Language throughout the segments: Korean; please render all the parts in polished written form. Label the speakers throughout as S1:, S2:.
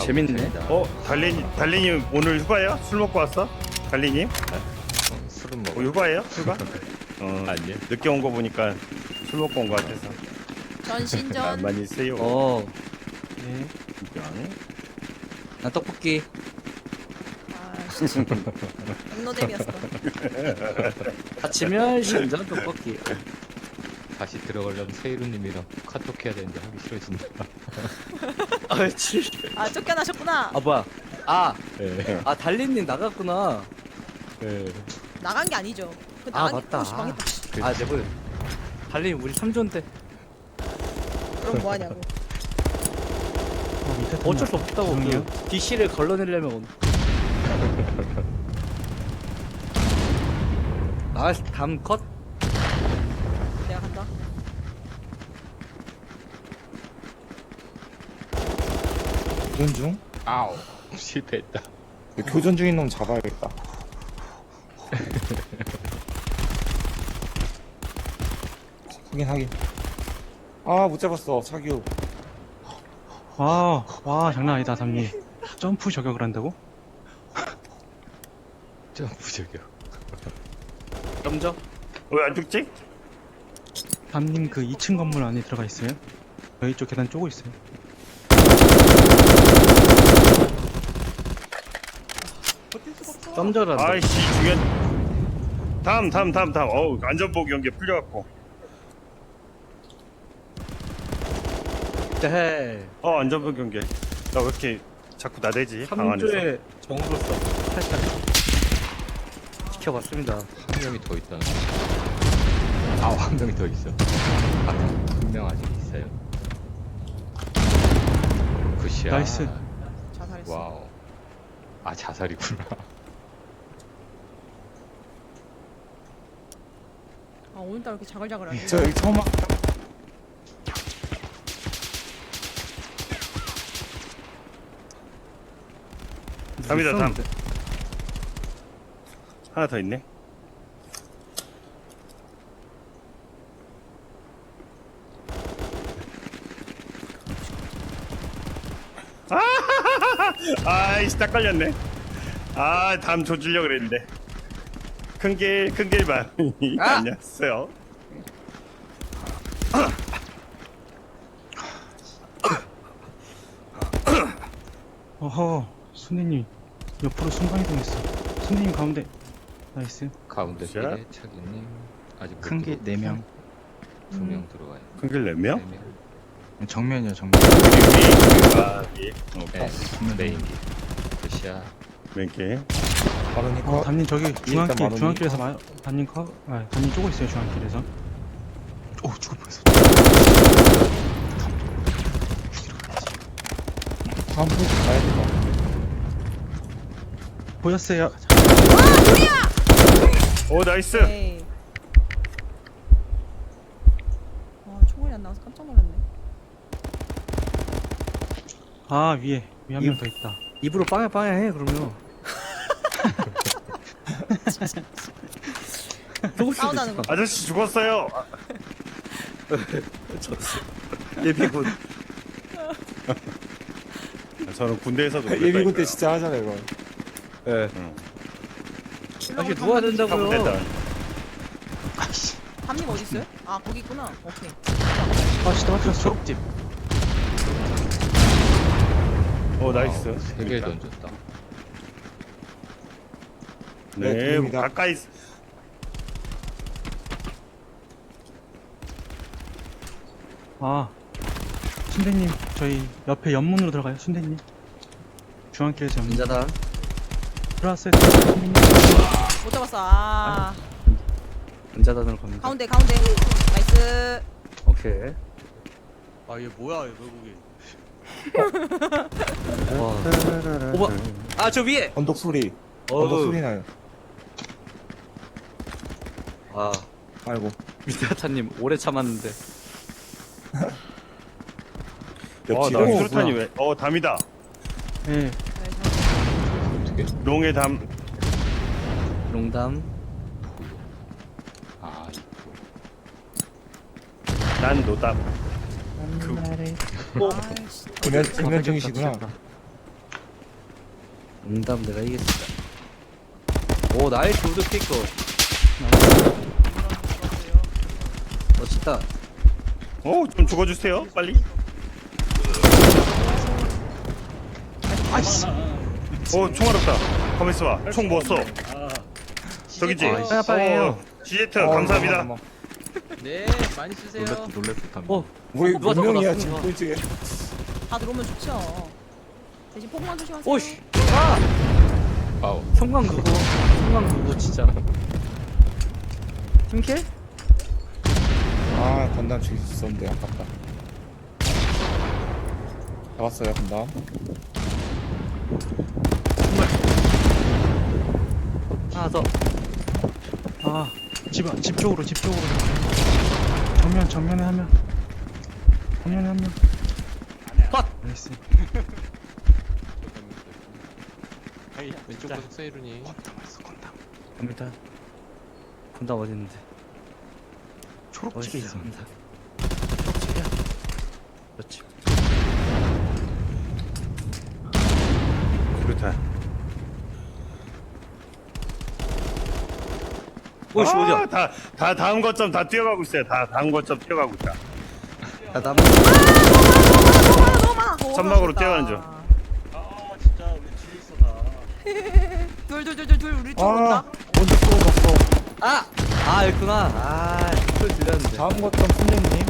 S1: 재밌네.
S2: 달리님 오늘 휴가예요? 술 먹고 왔어? 달리님?
S3: 술은 먹어.
S2: 휴가예요? 휴가?
S3: 아니요.
S2: 늦게 온 거 보니까 술 먹고 온 거 같아서.
S4: 전신전.
S2: 많이 세요.
S1: 네.
S2: 진짜.
S1: 나 떡볶이.
S4: 아 진짜. 백노잼이었어.
S1: 아침면 신전 떡볶이.
S3: 다시 들어가려면 세이루님이랑 카톡 해야 되는데 하기 싫어진다.
S1: 아치.
S4: 아 쫓겨나셨구나.
S1: 아 뭐야? 아,
S3: 네.
S1: 아 달린님 나갔구나.
S3: 네.
S4: 나간 게 아니죠. 그
S1: 아
S4: 나간
S1: 맞다.
S4: 게 망했다.
S1: 아 내보여. 달린 우리 3조인데
S4: 그럼 뭐 하냐고.
S1: 어쩔 수 없다고. 그 DC를 걸러내려면. 아, 담 컷.
S4: 내가 간다.
S5: 교전 중?
S3: 아우 실패했다.
S5: 교전 중인 놈 잡아야겠다. 확인. 아, 못 잡았어, 차규.
S6: 와 장난 아니다 담님. 점프 저격을 한다고?
S3: 점프 저격.
S1: 점저.
S2: 왜 안 죽지?
S6: 담님 그 2층 건물 안에 들어가 있어요? 저희 쪽 계단 쪼고 있어요.
S1: 점저란다.
S2: 아이씨 중요한. 다음. 어우 안전복 연계 풀려갖고.
S1: 네.
S2: 안전복 연계. 나 왜 이렇게 자꾸 나대지? 방 안에서.
S1: 3조의 정으로서 살짝 지켜봤습니다.
S3: 한 명이 더 있다. 한 명이 더 있어. 한 명 아직 있어요. 굿이야.
S6: 나이스.
S4: 자살했어.
S3: 와우. 아 자살이구나.
S4: 아 오늘따라 이렇게 자글자글하네.
S5: 저 여기 처음
S2: 담이다 담. 하나 더 있네. 아이씨 딱 걸렸네. 담 조주려고 그랬는데. 큰길만. 안녕하세요.
S6: 어허 순대님 옆으로 순간이동했어. 순대님 가운데. 나이스.
S3: 가운데
S2: 굿이야.
S3: 길에 차기님 아직
S7: 큰 게 4명,
S3: 2명 들어가요.
S2: 큰길 4명?
S3: 4명.
S7: 정면이요, 정면.
S2: 예.
S3: 네. 메인 길. 굿이야.
S2: 몇
S5: 바르니까.
S6: 담님 저기 중앙길
S5: 마루니.
S6: 중앙길에서 담님 담님 쪼고 있어요 중앙길에서. 오 죽을 뻔했어.
S5: 다음 포즈 가야 될 것 같은데.
S6: 보였어요.
S2: 오 나이스.
S4: 에이. 와 총알이 안 나와서 깜짝 놀랐네.
S6: 아 위에 한 명 더 있다.
S1: 입으로 빵야 해 그러면.
S4: 싸운다는 거.
S2: 아저씨 죽었어요.
S1: 예비군.
S2: 저는 군대에서도
S5: 예비군 때 진짜 하잖아요, 이거.
S1: 예.
S2: 응.
S1: 다시 누워야 된다고요.
S4: 담님 어디 있어요? 아 거기 있구나. 오케이.
S6: 아 진짜 맞췄어.
S1: 초록집.
S2: 오 나이스.
S3: 3개 던졌다.
S2: 네,
S5: 네, 됩니다.
S2: 가까이.
S6: 아 순대님 저희 옆에 연문으로 들어가요 순대님. 중앙길에서 연문
S1: 인자다.
S6: 들어왔어요. 순대님.
S4: 못 잡았어. 아
S1: 인자단으로 갑니다.
S4: 가운데. 나이스.
S1: 오케이.
S8: 아 얘 뭐야 얘 외국인.
S1: 와. 오바. 아 저 위에.
S5: 언덕 소리.
S1: 어우.
S5: 언덕 소리 나요.
S1: 아
S5: 아이고.
S1: 미스타님 오래 참았는데.
S2: 나
S5: 뒤로
S2: 수류탄이 왜? 담이다.
S6: 예.
S3: 어떻게?
S2: 롱의 담.
S1: 농담.
S3: 아
S2: 난 노담.
S4: 아이씨.
S5: 금연 중이시구나.
S1: 농담 내가 이겼어. 오 나이스 우드 피커. 멋있다.
S2: 좀 죽어주세요 빨리.
S6: 아이씨.
S2: 총알 없다. 가만있어 봐. 총 뭐 써? 저기지?
S1: 빨리 빨리 해요.
S2: GZ 감사합니다.
S5: 잠깐만.
S8: 네, 많이 쓰세요.
S3: 놀랬다.
S1: 어
S5: 우리
S1: 누가
S5: 몇 명이야
S1: 잡아놨어?
S5: 지금 꼴찌에.
S4: 다 들어오면 좋죠. 대신 폭만 조심하세요.
S1: 오씨.
S3: 아우.
S1: 성광 누구 진짜. 팀킬?
S5: 아 건담 죽일 수 있었는데 아깝다. 잡았어요 건담.
S1: 하나 더.
S6: 아, 집 쪽으로. 정면에 한 명.
S1: 컷!
S6: 나이스.
S3: 하이 왼쪽 구석 세이루니.
S1: 갑니다. 군다 어디 있는데?
S6: 초록집에 있어.
S1: 초록집이야. 그렇지.
S2: 그렇다.
S1: 오씨 어디야?
S2: 다 다음 거점 다 뛰어가고 있어요. 다 다음 거점 뛰어가고 있다.
S1: 나 남.
S4: 너무 많아.
S2: 천막으로 뛰어가는 중.
S8: 아, 진짜 우리 뒤에 있어 다.
S4: 둘 우리 쪽 온다.
S5: 아 먼저 쏘았어.
S1: 아 있구나. 소리 들렸는데.
S5: 다음 거점 선생님.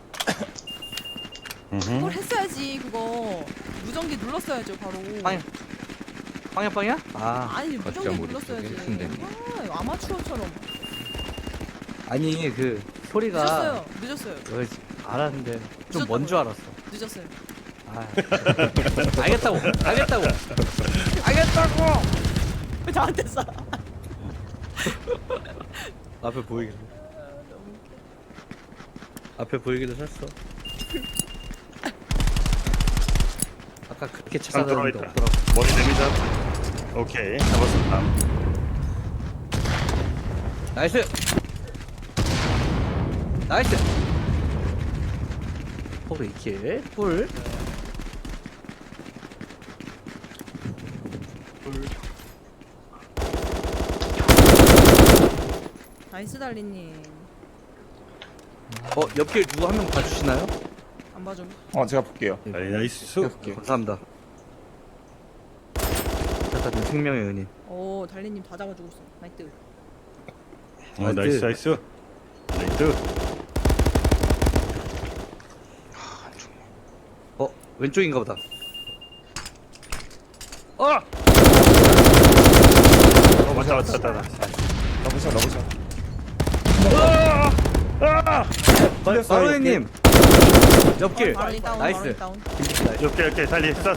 S4: 그걸 했어야지 그거. 무전기 눌렀어야죠 바로.
S1: 빵야?
S4: 아니 무전기
S3: 거점 우리
S4: 눌렀어야지.
S3: 쪽에 선생님.
S4: 아 아마추어처럼.
S1: 아니 그 소리가
S4: 늦었어요.
S1: 여기 알았는데 좀
S4: 늦었다고요.
S1: 먼 줄 알았어.
S4: 늦었어요.
S1: 아, 알겠다고.
S4: 왜 저한테 쏴?
S1: 앞에 보이길래. 앞에 보이길래 샀어. 아까 그렇게
S2: 참
S1: 찾아다녔는데
S2: 들어있다.
S1: 없더라고.
S2: 머리 됩니다. 오케이 잡았어 다음.
S1: 나이스. 포르 2킬. 뿔.
S4: 나이스 달리님.
S1: 옆길 누구 한 명 봐주시나요?
S4: 안 봐줘.
S5: 제가 볼게요.
S2: 나이스.
S5: 해볼게요.
S1: 감사합니다. 일단 생명의 은인.
S4: 오 달리님 다 잡아주고 있어. 나이트.
S2: 나이스. 나이스.
S1: 왼쪽인가 보다.
S2: 왔다.
S5: 러브샷.
S1: 바로님 옆길.
S4: 바로니 다운.
S1: 나이스.
S4: 바로니 다운.
S2: 오케이 달리 쏴.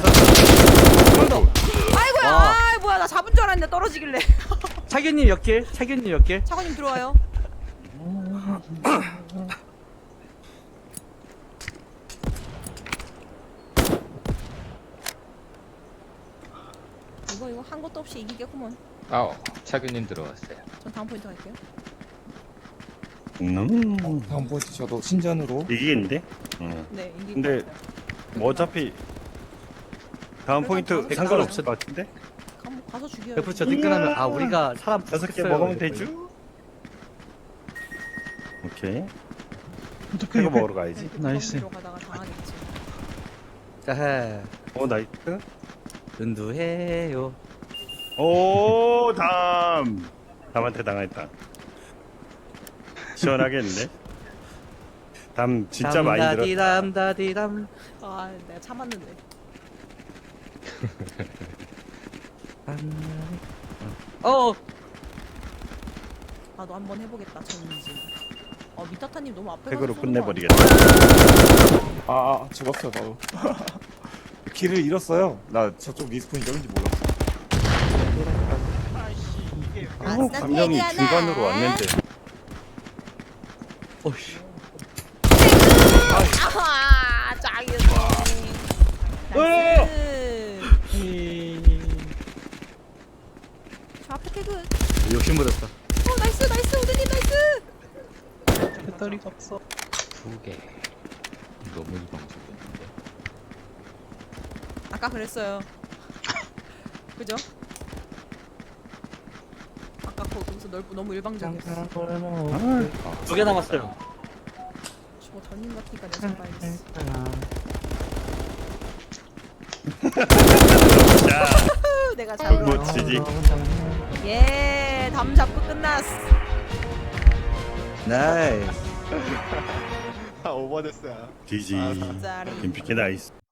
S4: 아이고야.
S1: 와.
S4: 아 뭐야 나 잡은 줄 알았는데 떨어지길래.
S1: 차균님 옆길.
S4: 차관님 들어와요. 이거 한 것도 없이 이기겠구먼.
S3: 아우. 차균님 들어왔어요.
S4: 전 다음 포인트 갈게요.
S5: 다음 포인트 저도 신전으로.
S2: 이기겠는데?
S4: 네 이기.
S2: 근데 뭐 어차피 다음 포인트
S4: 그래도
S2: 상관없을 것 같은데?
S4: 가서 죽여요.
S1: F4 뒷끈하면 우리가 사람
S2: 5개 먹으면 되죠? 오케이.
S6: 어떻게
S2: 이거 먹으러 가야지.
S6: 나이스.
S4: 가다가 당하겠지.
S1: 자해.
S2: 나이스.
S1: 은두해요.
S2: 오 담한테 당했다. 시원하겠는데? 담 진짜 많이 들었다.
S1: 담다디담.
S4: 아 내가 참았는데. 나도 한번 해보겠다. 전지. 미타타님 너무 앞에
S2: 팩으로
S4: 가서 쏘는 거
S2: 끝내버리겠다.
S5: 죽었어요 나도. 길을 잃었어요. 나 저쪽 리스폰이 여긴지 몰랐어.
S4: 아니야?
S2: 감정이 중간으로 왔는데.
S1: 오씨.
S4: 아하 짱이었어. 나이스. 저 앞에 태그.
S1: 욕심부렸다.
S4: 나이스 우드님 나이스.
S6: 배터리가 없어.
S3: 2개. 너무 이방적이었는데.
S4: 아까 그랬어요. 그죠? 아까 거기서 너무 일방적이었어.
S8: 2개 남았어요.
S4: 저거 던진 것 같으니까 내가 잡아야겠어. 내가 잡아.
S2: 멋지지.
S4: 예, 담 잡고 끝났어.
S1: 나이스.
S2: 지지.
S4: 짜리.
S2: 김피케 나이스.